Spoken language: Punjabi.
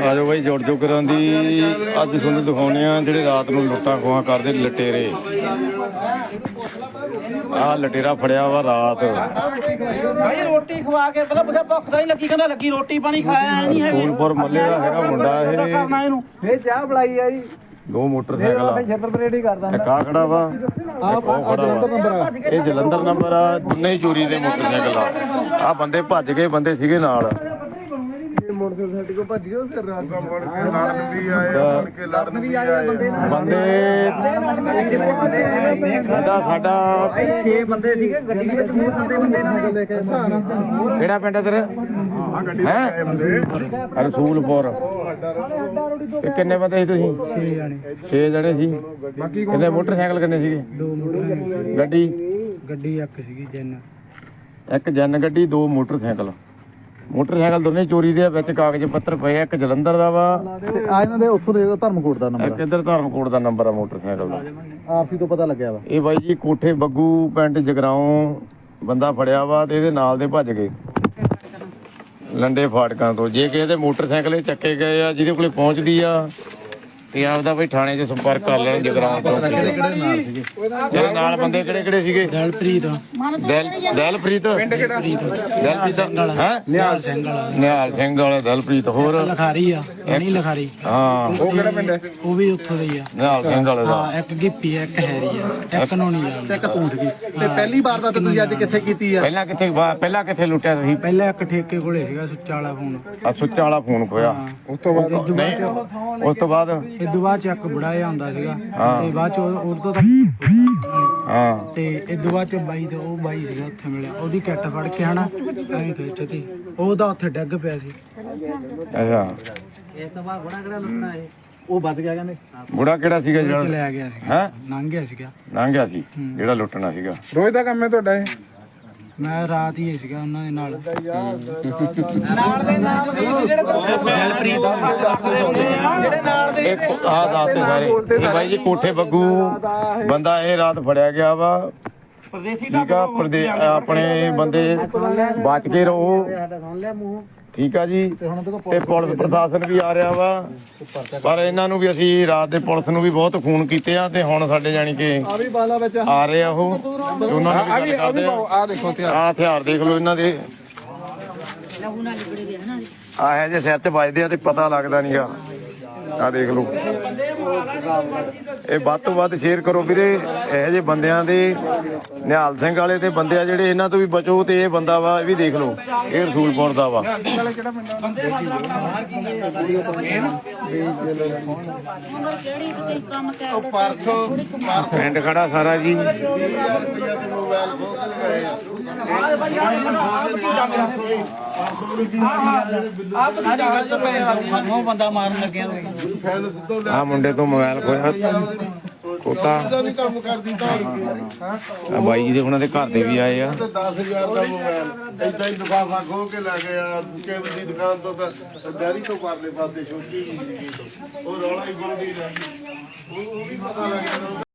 ਆ ਜਾਓ ਬਾਈ ਜੁੜ ਜੋ ਕਰਾਂ ਦੀ ਅੱਜ ਤੁਹਾਨੂੰ ਦਿਖਾਉਂਦੇ ਆ ਜਿਹੜੇ ਰਾਤ ਨੂੰ ਲੁੱਟਾਂ ਖੋਹਾਂ ਕਰਦੇ ਲਟੇਰੇ। ਆਹ ਲਟੇਰਾ ਫੜਿਆ ਵਾ ਰਾਤ ਭਾਈ ਰੋਟੀ ਖਵਾ ਕੇ ਪਤਾ ਭੁੱਖ ਤਾਂ ਨਹੀਂ ਲੱਗੀ, ਕਹਿੰਦਾ ਲੱਗੀ ਰੋਟੀ ਪਾਣੀ ਖਾਇਆ ਨਹੀਂ ਹੈਗਾ। ਫੂਲਪੁਰ ਮੱਲੇ ਦਾ ਹੈਗਾ ਮੁੰਡਾ ਇਹ ਚਾਹ ਬੁਲਾਈ ਆ ਜੀ। 2 ਮੋਟਰਸਾਈਕਲ ਆ, ਇੱਕ ਆ ਖੜਾ ਵਾ ਇੱਕ ਉਹ ਖੜਾ ਵਾ। ਇਹ ਜਲੰਧਰ ਨੰਬਰ ਆ, ਦੋਨੇ ਹੀ ਚੋਰੀ ਦੇ ਮੋਟਰਸਾਈਕਲ ਆ। ਆਹ ਬੰਦੇ ਭੱਜ ਗਏ, ਬੰਦੇ ਸੀਗੇ ਨਾਲ। ਮੋਟਰਸਾਈਕਲ ਕੋ ਭੱਜ ਗਏ ਫਿਰ ਰਾਤ ਲੜਨ ਵੀ ਆਏ ਬੰਦੇ ਸਾਡਾ 6 ਬੰਦੇ ਸੀਗੇ ਗੱਡੀ ਵਿੱਚ, ਮੂੰਹ ਸੰਦੇ ਬੰਦੇ ਨਾਲ। ਕਿਹੜਾ ਪਿੰਡ ਹੈ ਤੇਰਾ? ਹੈ ਰਸੂਲਪੁਰ। ਕਿੰਨੇ ਬੰਦੇ ਸੀ ਤੁਸੀਂ? 6 ਜਣੇ ਸੀ। ਕਿੰਨੇ ਮੋਟਰਸਾਈਕਲ ਕਿੰਨੇ ਸੀਗੇ? 2 ਮੋਟਰਸਾਈਕਲ। ਗੱਡੀ ਇੱਕ ਸੀਗੀ ਜੈਨ, ਇੱਕ ਜੈਨ ਗੱਡੀ, 2 ਮੋਟਰਸਾਈਕਲ ਦੋਨੇ ਚੋਰੀ ਦੇ ਵਿੱਚ ਕਾਗਜ਼ ਪੱਤਰ ਪਏ। ਇੱਕ ਜਲੰਧਰ ਦਾ ਵਾ ਆ ਇਹਨਾਂ ਦੇ ਉੱਥੋਂ ਦੇ ਧਰਮਕੋਟ ਦਾ ਨੰਬਰ, ਇੱਕ ਇੱਧਰ ਧਰਮਕੋਟ ਦਾ ਨੰਬਰ ਆ ਮੋਟਰਸਾਈਕਲ ਦਾ। ਆਰਸੀ ਤੋਂ ਪਤਾ ਲੱਗਿਆ ਵਾ। ਇਹ ਬਾਈ ਜੀ ਕੋਠੇ ਬੱਗੂ ਪਿੰਡ ਜਗਰਾਉਂ ਬੰਦਾ ਫੜਿਆ ਵਾ ਤੇ ਇਹਦੇ ਨਾਲ ਦੇ ਭੱਜ ਗਏ ਲੰਡੇ ਫਾਟਕਾਂ ਤੋਂ। ਜੇ ਕਿਸੇ ਦੇ ਮੋਟਰਸਾਈਕਲ ਚੱਕੇ ਗਏ ਆ ਜਿਹਦੇ ਕੋਲੇ ਪਹੁੰਚਦੀ ਆ ਤੇ ਆਪਦਾ ਬਈ ਥਾਣੇ 'ਚ ਸੰਪਰਕ ਕਰ ਲੈਣ ਜਗਰਾਉਂ ਚੌਂਕੀ ਦੇ। ਜਿਹੜੇ ਨਾਲ ਬੰਦੇ ਕਿਹੜੇ ਸੀਗੇ? ਦਿਲਪ੍ਰੀਤ ਪਿੰਡ ਕਿਹੜਾ? ਦਿਲਪ੍ਰੀਤ ਹੈ ਨਿਹਾਲ ਸਿੰਘ ਵਾਲੇ ਦਿਲਪ੍ਰੀਤ। ਹੋਰ ਲਖਾਰੀ ਆ, ਨਹੀਂ ਲਖਾਰੀ। ਹਾਂ ਉਹ ਕਿਹੜਾ ਪਿੰਡ ਹੈ? ਉਹ ਵੀ ਉੱਥੋਂ ਦੇ ਹੀ ਆ। ਨਿਹਾਲ ਸਿੰਘ ਵਾਲੇ ਦਾ। ਇੱਕ ਗਿੱਪੀ ਆ, ਇੱਕ ਹੈਰੀ ਆ, ਇੱਕ ਨੋਣੀ ਆ, ਇੱਕ ਤੂੰ ਸੀਗੀ। ਤੇ ਪਹਿਲੀ ਵਾਰ ਦਾ ਤੁਸੀਂ ਅੱਜ ਕਿੱਥੇ ਕੀਤੀ ਆ? ਪਹਿਲਾਂ ਕਿੱਥੇ ਲੁੱਟਿਆ ਤੁਸੀਂ? ਪਹਿਲਾਂ ਇੱਕ ਠੇਕੇ ਕੋਲੇ ਸੀਗਾ ਸੁੱਚਾ ਵਾਲਾ ਫੋਨ। ਆ ਸੁੱਚਾ ਵਾਲਾ ਫੋਨ ਖੋਇਆ। ਉਸ ਤੋਂ ਬਾਅਦ ਉਸ ਤੋਂ ਬਾਅਦ ਇਦੋਂ ਬਾਅਦ ਚ ਇੱਕ ਬੁੜਾ ਜਿਹਾ ਆਉਂਦਾ ਸੀਗਾ ਤੇ ਬਾਅਦ ਚ ਉਦੋਂ ਤੱਕ ਹਾਂ ਤੇ ਇਦੋਂ ਬਾਅਦ ਚ ਬਾਈ ਤੇ ਉਹ ਬਾਈ ਸੀਗਾ ਉੱਥੇ ਮਿਲਿਆ, ਉਹਦੀ ਕਿੱਟ ਫੜ ਕੇ ਹਨਾ ਐਂ ਖਿੱਚਤੀ, ਉਹਦਾ ਉੱਥੇ ਡਿੱਗ ਪਿਆ ਸੀ। ਅੱਛਾ ਇਸ ਤੋਂ ਬਾਅਦ ਬੁੜਾ ਕਿਹੜਾ ਲੁੱਟਣਾ ਇਹ ਉਹ ਵੱਧ ਗਿਆ ਕਹਿੰਦੇ। ਬੁੜਾ ਕਿਹੜਾ ਸੀਗਾ ਜਿਹੜਾ ਲੈ ਗਿਆ ਸੀ? ਹੈ ਲੰਘ ਗਿਆ ਸੀਗਾ, ਲੰਘ ਗਿਆ ਸੀ ਜਿਹੜਾ ਲੁੱਟਣਾ ਸੀਗਾ। ਰੋਜ਼ ਦਾ ਕੰਮ ਹੈ ਤੁਹਾਡਾ ਇਹ? ਮੈਂ ਰਾਤ ਹੀ ਸੀਗਾ ਉਹਨਾਂ ਦੇ ਨਾਲ ਦੇ ਨਾਲ ਜਿਹੜੇ ਨਾਲ ਦੇ ਆਹ ਰਾਤ ਦੇ ਸਾਰੇ ਇਹ ਬਾਈ ਜੀ ਕੋਠੇ ਬੱਗੂ ਬੰਦਾ ਇਹ ਰਾਤ ਫੜਿਆ ਗਿਆ ਵਾ। ਠੀਕ ਆ ਆਪਣੇ ਬੰਦੇ ਬਚ ਕੇ ਰਹੋ। ਠੀਕ ਆ ਜੀ। ਤੇ ਪੁਲਿਸ ਪ੍ਰਸ਼ਾਸਨ ਵੀ ਆ ਰਿਹਾ ਵਾ, ਪਰ ਇਹਨਾਂ ਨੂੰ ਵੀ ਅਸੀਂ ਰਾਤ ਦੇ ਪੁਲਿਸ ਨੂੰ ਵੀ ਬਹੁਤ ਫੋਨ ਕੀਤੇ ਆ ਤੇ ਹੁਣ ਸਾਡੇ ਜਾਣੀ ਕਿ ਆ ਰਹੇ ਆ ਉਹ। ਉਹਨਾਂ ਨੂੰ ਆ ਦੇਖੋ ਆ ਹਥਿਆਰ ਦੇਖ ਲਓ ਇਹਨਾਂ ਦੇ, ਆਹ ਜੇ ਸਿਰ ਤੇ ਵੱਜਦੇ ਆ ਤੇ ਪਤਾ ਲੱਗਦਾ ਨਹੀਂਗਾ। ਆ ਦੇਖ ਲਓ। ਇਹ ਵੱਧ ਤੋਂ ਵੱਧ ਸ਼ੇਅਰ ਕਰੋ ਵੀਰੇ। ਇਹੋ ਜਿਹੇ ਬੰਦਿਆਂ ਦੇ ਨਿਹਾਲ ਸਿੰਘ ਵਾਲੇ ਤੇ ਬੰਦੇ ਆ ਜਿਹੜੇ, ਇਹਨਾਂ ਤੋਂ ਵੀ ਬਚੋ। ਤੇ ਇਹ ਬੰਦਾ ਵਾ, ਇਹ ਵੀ ਦੇਖ ਲਓ, ਇਹ ਰਸੂਲਪੁਰ ਦਾ ਵਾ। ਪਿੰਡ ਖੜਾ ਸਾਰਾ ਜੀ। ਬੰਦਾ ਮਾਰਨ ਲੱਗਿਆ ਆ ਮੁੰਡੇ ਤੋਂ ਮੋਬਾਈਲ ਖੋਇਆ ਕੋਤਾ। ਕੰਮ ਕਰਦੀ ਤਾਂ ਬਾਈ ਜੀ ਦੇ ਉਹਨਾਂ ਦੇ ਘਰ ਦੇ ਵੀ ਆਏ ਆ। 10,000 ਦਾ ਮੋਬਾਈਲ ਏਦਾਂ ਹੀ ਲਿਫਾਫਾ ਖੋਹ ਕੇ ਲੈ ਗਿਆ ਕੇਬਲ ਦੀ ਦੁਕਾਨ ਤੋਂ। ਤਾਂ ਡੈਰੀ ਤੋਂ ਪਰਲੇ ਪਾਸੇ ਛੋਟੀ ਜਿਹੀ ਸੀਗੀ, ਉਹ ਰੌਲਾ ਹੀ ਪਾਉਂਦੀ ਰਹੀ। ਉਹ ਵੀ ਪਤਾ ਲੱਗ ਗਿਆ।